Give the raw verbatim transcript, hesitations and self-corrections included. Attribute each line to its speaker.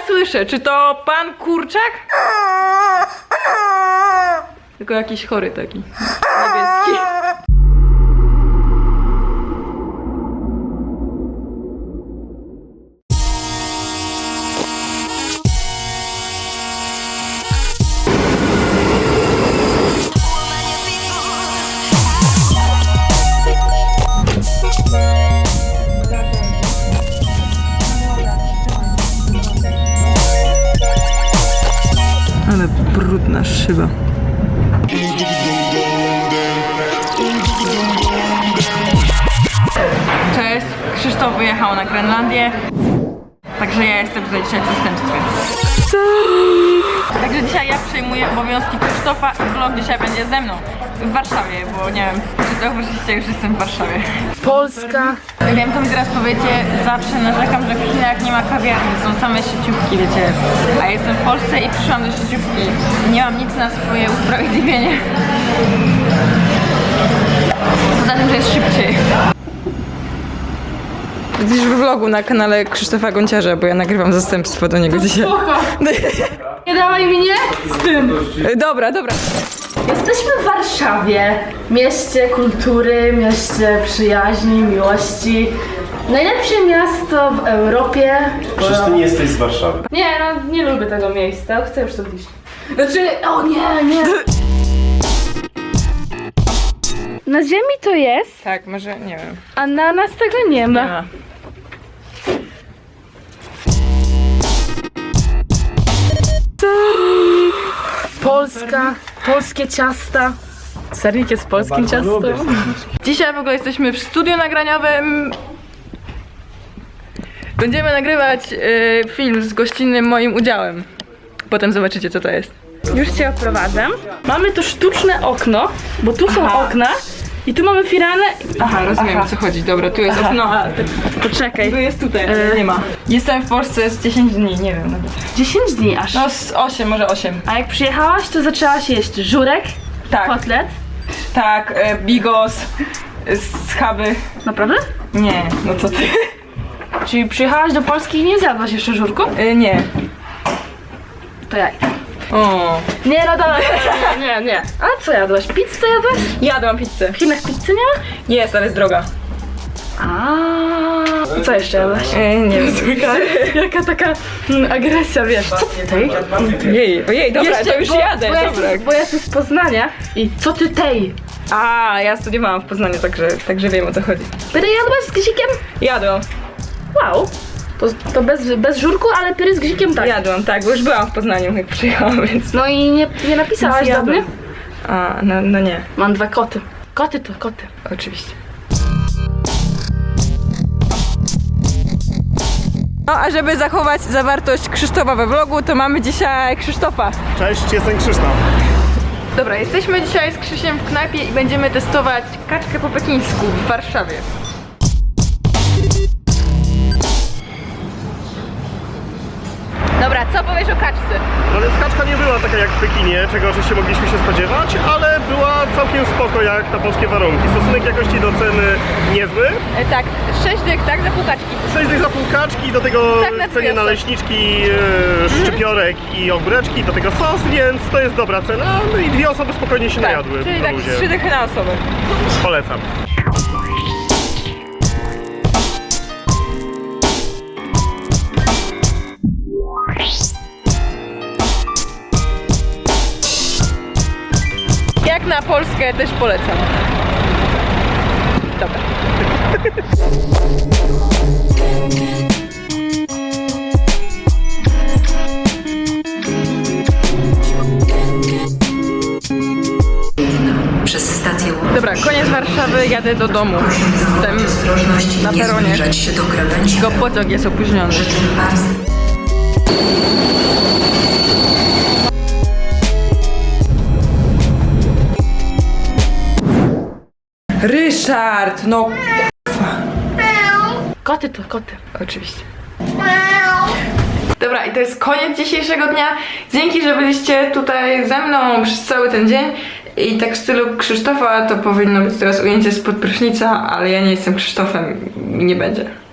Speaker 1: słyszę? Czy to pan Kurczak? Tylko jakiś chory taki. Niebieski. Ale brudna szyba. Cześć, Krzysztof wyjechał na Grenlandię. Także ja jestem tutaj dzisiaj w zastępstwie. Także dzisiaj ja przejmuję obowiązki Krzysztofa i vlog dzisiaj będzie ze mną w Warszawie, bo nie wiem, czy zauważyliście, już jestem w Warszawie. Polska. Wiem, co mi teraz powiecie, zawsze narzekam, że w Chinach nie ma kawiarni, są same sieciówki, wiecie. A ja jestem w Polsce i przyszłam do sieciówki. Nie mam nic na swoje usprawiedliwienie. Poza tym, że jest szybciej. Widzisz w vlogu na kanale Krzysztofa Gonciarza, bo ja nagrywam zastępstwo do niego dzisiaj.
Speaker 2: Nie dawaj mnie z tym.
Speaker 1: Dobra, dobra.
Speaker 2: Jesteśmy w Warszawie, mieście kultury, mieście przyjaźni, miłości. Najlepsze miasto w Europie.
Speaker 3: Przecież ty nie jesteś z Warszawy.
Speaker 2: Nie, no nie lubię tego miejsca, chcę już stąd iść. Znaczy, o nie, nie. Na ziemi to jest,
Speaker 1: Tak, może, nie wiem.
Speaker 2: a na nas tego nie ma.
Speaker 1: Nie ma.
Speaker 2: Polska, polskie ciasta. Serik jest polskim ciastem.
Speaker 1: Dzisiaj w ogóle jesteśmy w studiu nagraniowym. Będziemy nagrywać y, film z gościnnym moim udziałem. Potem zobaczycie, co to jest.
Speaker 2: Już cię oprowadzę. Mamy tu sztuczne okno, bo tu są
Speaker 1: Aha.
Speaker 2: okna i tu mamy firanę.
Speaker 1: Aha, rozumiem, o co chodzi. Dobra, tu jest
Speaker 2: Aha.
Speaker 1: okno, a
Speaker 2: Poczekaj.
Speaker 1: tu jest tutaj,
Speaker 2: E.
Speaker 1: nie ma. Jestem w Polsce z dziesięć dni, nie wiem nawet.
Speaker 2: dziesięć dni aż.
Speaker 1: No z osiem, może osiem.
Speaker 2: A jak przyjechałaś, to zaczęłaś jeść żurek,
Speaker 1: Tak,
Speaker 2: kotlet.
Speaker 1: tak, e, bigos, e, schaby.
Speaker 2: Naprawdę?
Speaker 1: Nie, no co ty?
Speaker 2: Czyli przyjechałaś do Polski i nie zjadłaś jeszcze żurku?
Speaker 1: E, nie.
Speaker 2: To jak?
Speaker 1: O.
Speaker 2: Nie, no dobra, nie, nie, nie. A co jadłaś? Pizzę jadłaś?
Speaker 1: Jadłam pizzę.
Speaker 2: W Chinach pizzy nie ma?
Speaker 1: Jest, ale jest droga.
Speaker 2: A co jeszcze jadłaś?
Speaker 1: E, nie wiem.
Speaker 2: Jaka taka mm, agresja, wiesz. Co ty tej?
Speaker 1: Jej, ojej, dobra,
Speaker 2: Jeszcze,
Speaker 1: to już
Speaker 2: bo,
Speaker 1: jadę,
Speaker 2: bo ja,
Speaker 1: dobra.
Speaker 2: jestem- bo ja jestem z Poznania i co ty tej?
Speaker 1: A, ja studiowałam w Poznaniu, także, także wiem, o co chodzi.
Speaker 2: Pyry jadłaś z gzikiem?
Speaker 1: Jadłam,
Speaker 2: Wow. To, to bez, bez żurku, ale pyry z gzikiem tak.
Speaker 1: jadłam, tak, bo już byłam w Poznaniu, jak przyjechałam, więc...
Speaker 2: No i nie, nie napisałaś do
Speaker 1: Jadłam.
Speaker 2: mnie?
Speaker 1: A, no, no nie,
Speaker 2: Mam dwa koty. Koty to koty.
Speaker 1: oczywiście. No, a żeby zachować zawartość Krzysztofa we vlogu, to mamy dzisiaj Krzysztofa.
Speaker 3: Cześć, jestem Krzysztof.
Speaker 1: Dobra, jesteśmy dzisiaj z Krzysiem w knajpie i będziemy testować kaczkę po pekińsku w Warszawie. Dobra, co powiesz o kaczce?
Speaker 3: No więc kaczka nie była taka jak w Pekinie, czego oczywiście mogliśmy się spodziewać, ale była całkiem spoko jak na polskie warunki. Stosunek jakości do ceny niezły.
Speaker 1: E, tak, sześć dych, tak, za pół kaczki.
Speaker 3: sześć dych za pół kaczki, do tego
Speaker 1: Tak, na
Speaker 3: cenie
Speaker 1: dwie
Speaker 3: naleśniczki, e, szczypiorek i ogóreczki, do tego sos, więc to jest dobra cena. No i dwie osoby spokojnie się najadły.
Speaker 1: Czyli
Speaker 3: na
Speaker 1: tak
Speaker 3: luzie.
Speaker 1: trzy dychy na osobę.
Speaker 3: Polecam.
Speaker 1: Jak na Polskę też polecam. Dobra.
Speaker 4: Przez stację
Speaker 1: Dobra, koniec Warszawy, jadę do domu. Jestem
Speaker 4: ostrożności
Speaker 1: na
Speaker 4: nie
Speaker 1: peronie.
Speaker 4: zbliżać się do krawędzi.
Speaker 1: Tylko pociąg jest opóźniony.
Speaker 4: Życzę bardzo.
Speaker 1: Ryszard, no
Speaker 2: Koty to koty.
Speaker 1: oczywiście. Dobra, i to jest koniec dzisiejszego dnia. Dzięki, że byliście tutaj ze mną przez cały ten dzień. I tak w stylu Krzysztofa to powinno być teraz ujęcie spod prysznica, ale ja nie jestem Krzysztofem i nie będzie.